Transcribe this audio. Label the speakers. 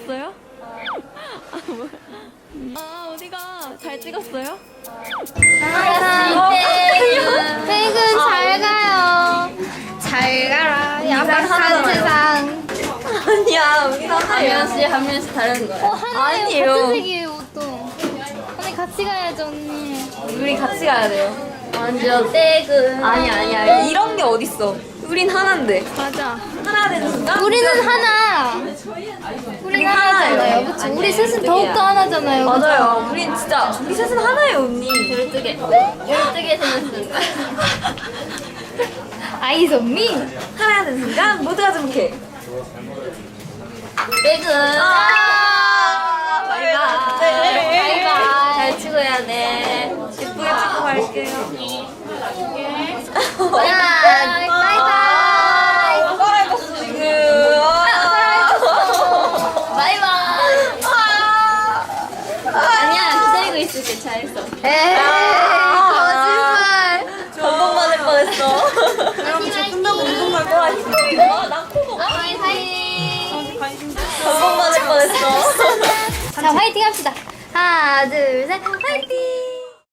Speaker 1: 찍었어요? 아 어디가? 잘 찍었어요?
Speaker 2: 퇴근 잘 가요. 잘 가라. 야박한 세상.
Speaker 1: 아니야 우리 한 명씩 다른 거야.
Speaker 2: 하나요.
Speaker 1: 아니에요.
Speaker 2: 같은 색이에요 옷도. 언니 같이 가야죠 언니.
Speaker 1: 우리 같이 가야 돼요.
Speaker 2: 완전 퇴근.
Speaker 1: 아니야 이런 게 어딨어. 우린 하나인데.
Speaker 2: 맞아.
Speaker 1: 하나 되는 순간
Speaker 2: 우리는 하나. 우리는 하나잖아요. 그쵸? 우리 셋은 더욱더 하나잖아요. 그쵸?
Speaker 1: 맞아요. 우린 진짜 우리 셋은 하나예요 언니.
Speaker 2: 12개. 12개 생겼습니다. 아이즈 온 미.
Speaker 1: 하나 되는 순간 모두가 행복해.
Speaker 2: 퇴근.
Speaker 1: 바이바이.
Speaker 2: 바이바이.
Speaker 1: 잘 치고 해야 돼. 예쁘게 찍고 갈게요.
Speaker 2: 바이바이. 바이바이.
Speaker 1: 깔아입었어 지금.
Speaker 2: 바이바이. 아니야 기다리고 있을게. 잘했어. 에이 거짓말.
Speaker 1: 감동 받을 뻔했어.
Speaker 2: 여러분 저
Speaker 1: 끝나고 운동 갈 거야. 힘들어. 나 코도
Speaker 2: 화이팅.
Speaker 1: 감동 받을 뻔했어.
Speaker 2: 자 화이팅 합시다. 하나 둘 셋 화이팅.